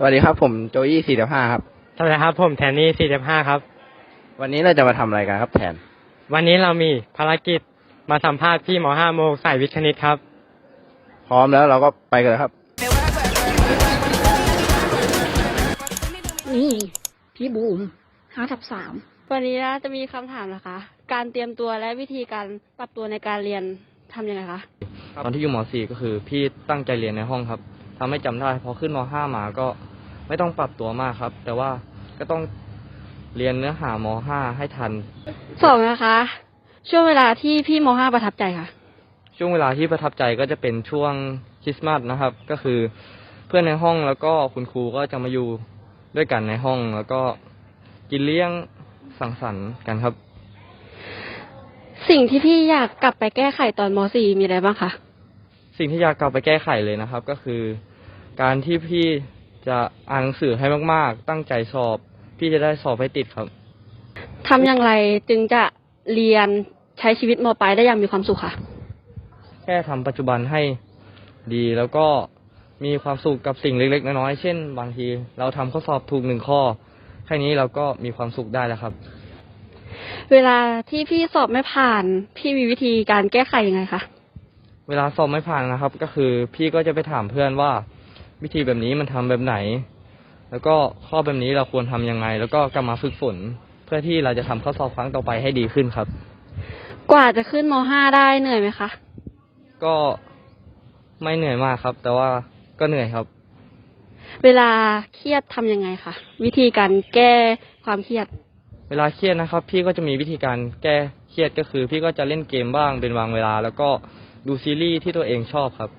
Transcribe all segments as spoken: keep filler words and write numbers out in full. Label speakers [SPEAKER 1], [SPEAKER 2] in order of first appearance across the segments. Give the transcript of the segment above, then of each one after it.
[SPEAKER 1] วัสดีครับผมโจยี่สี่สิบห้าครับ
[SPEAKER 2] สวัสดีครับผมแทนนี่สี่สิบห้าครับ
[SPEAKER 1] วันนี้เราจะมาทำอะไรกันครับแทน
[SPEAKER 2] วันนี้เรามีภารกิจมาสัมภาษณ์พี่ม.ห้า โมสายวิทย์คณิตครับ
[SPEAKER 1] พร้อมแล้วเราก็ไปกันเลยครับ
[SPEAKER 3] นี่พี่บูมห้าทับสาม
[SPEAKER 4] วันนี้นะจะมีคำถามนะคะการเตรียมตัวและวิธีการปรับตัวในการเรียนทำยังไงคะ
[SPEAKER 5] ตอนที่อยู่ม สี่ ก็คือพี่ตั้งใจเรียนในห้องครับทำให้จำได้พอขึ้นม ห้า มาก็ไม่ต้องปรับตัวมากครับแต่ว่าก็ต้องเรียนเนื้อหาม ห้า ให้ทัน
[SPEAKER 4] สองนะคะช่วงเวลาที่พี่ม ห้า ประทับใจค่ะ
[SPEAKER 5] ช่วงเวลาที่ประทับใจก็จะเป็นช่วงคริสต์มาสนะครับก็คือเพื่อนในห้องแล้วก็คุณครูก็จะมาอยู่ด้วยกันในห้องแล้วก็กินเลี้ยงสังสรรค์กันครับ
[SPEAKER 4] สิ่งที่พี่อยากกลับไปแก้ไขตอนม สี่ มีอะไรบ้างคะ
[SPEAKER 5] สิ่งที่อยากกลับไปแก้ไขเลยนะครับก็คือการที่พี่จะอ่านหนังสือให้มากๆตั้งใจสอบพี่จะได้สอบให้ติดครับ
[SPEAKER 4] ทำอย่างไรจึงจะเรียนใช้ชีวิตม.ปลายได้อย่างมีความสุขค่ะ
[SPEAKER 5] แค่ทำปัจจุบันให้ดีแล้วก็มีความสุขกับสิ่งเล็กๆน้อยๆเช่นบางทีเราทำข้อสอบถูกหนึ่งข้อแค่นี้เราก็มีความสุขได้แล้วครับ
[SPEAKER 4] เวลาที่พี่สอบไม่ผ่านพี่มีวิธีการแก้ไขยังไงคะ
[SPEAKER 5] เวลาสอบไม่ผ่านนะครับก็คือพี่ก็จะไปถามเพื่อนว่าวิธีแบบนี้มันทำแบบไหนแล้วก็ข้อแบบนี้เราควรทำยังไงแล้วก็กลับมาฝึกฝนเพื่อที่เราจะทำข้อสอบครั้งต่อไปให้ดีขึ้นครับ
[SPEAKER 4] กว่าจะขึ้นม ห้า ได้เหนื่อยไหมคะ
[SPEAKER 5] ก็ไม่เหนื่อยมากครับแต่ว่าก็เหนื่อยครับ
[SPEAKER 4] เวลาเครียดทำยังไงคะวิธีการแก้ความเครียด
[SPEAKER 5] เวลาเครียดนะครับพี่ก็จะมีวิธีการแก้เครียดก็คือพี่ก็จะเล่นเกมบ้างเป็นบางเวลาแล้วก็ดูซีรีส์ที่ตัวเองชอบครับ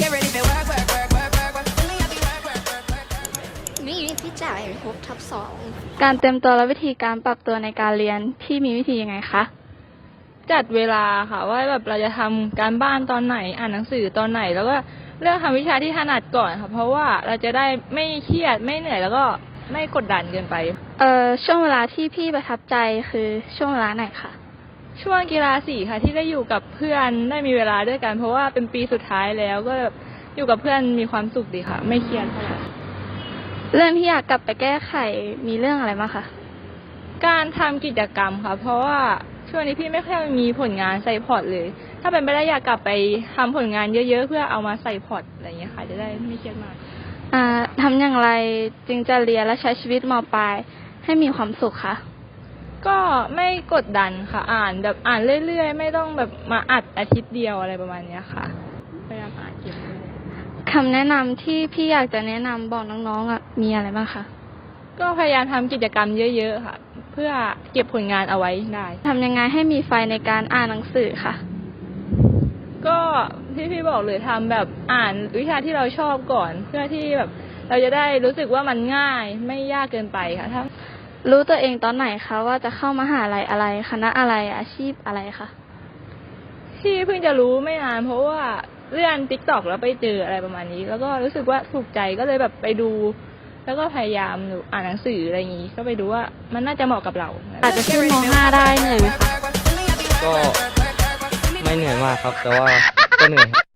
[SPEAKER 3] นี่พี่จ่ายหกทับสอง
[SPEAKER 6] การเตรียมตัวและวิธีการปรับตัวในการเรียนพี่มีวิธียังไงคะ
[SPEAKER 7] จัดเวลาค่ะว่าแบบเราจะทำการบ้านตอนไหนอ่านหนังสือตอนไหนแล้วก็เลือกทำวิชาที่ถนัดก่อนค่ะเพราะว่าเราจะได้ไม่เครียดไม่เหนื่อยแล้วก็ไม่กดดันเกินไป
[SPEAKER 6] เอ่อช่วงเวลาที่พี่ประทับใจคือช่วงเวลาไหนคะ
[SPEAKER 7] ช่วงกีฬาสีค่ะที่ได้อยู่กับเพื่อนได้มีเวลาด้วยกันเพราะว่าเป็นปีสุดท้ายแล้วก็แบบอยู่กับเพื่อนมีความสุขดีค่ะไม่เครียดเท่าไหร่
[SPEAKER 6] เรื่องที่อยากกลับไปแก้ไขมีเรื่องอะไรบ้างคะ
[SPEAKER 7] การทำกิจกรรมค่ะเพราะว่าช่วงนี้พี่ไม่ค่อยมีผลงานใส่พอร์ตเลยถ้าเป็นไปได้อยากกลับไปทำผลงานเยอะๆเพื่อเอามาใส่พอร์ตอะไรอย่างเงี้ยค่ะจะได้ไม่เครียดมาก
[SPEAKER 6] อ่าทำอย่างไรจึงจะเรียนและใช้ชีวิตม.ปลายให้มีความสุขคะ
[SPEAKER 7] ก็ไม่กดดันค่ะอ่านแบบอ่านเรื่อยๆไม่ต้องแบบมาอัดอาทิตย์เดียวอะไรประมาณนี้ค่ะพยายามอ่านเก็บ
[SPEAKER 6] คำแนะนำที่พี่อยากจะแนะนำบอกน้องๆอ่ะมีอะไรบ้างคะ
[SPEAKER 7] ก็พยายามทำกิจกรรมเยอะๆค่ะเพื่อเก็บผลงานเอาไว้ได้
[SPEAKER 6] ทำยังไงให้มีไฟในการอ่านหนังสือค่ะ
[SPEAKER 7] ก็ที่พี่บอกเลยทำแบบอ่านวิชาที่เราชอบก่อนเพื่อที่แบบเราจะได้รู้สึกว่ามันง่ายไม่ยากเกินไปค่ะถ้า
[SPEAKER 6] รู้ตัวเองตอนไหนคะว่าจะเข้ามหาลัยอะไรคณะอะไรอาชีพอะไรคะ
[SPEAKER 7] ที่เพิ่งจะรู้ไม่นานเพราะว่าเลื่อน ติ๊กต็อก แล้วไปเจออะไรประมาณนี้แล้วก็รู้สึกว่าถูกใจก็เลยแบบไปดูแล้วก็พยายามอ่านหนังสืออะไรอย่างนี้ก็ไปดูว่ามันน่าจะเหมาะกับเรา
[SPEAKER 4] อาจจะขึ้นม ห้า ได้เหนื่อยไหมคะ
[SPEAKER 5] ก็ไม่เหนื่อยมากครับแต่ว่าก็เหนื่อย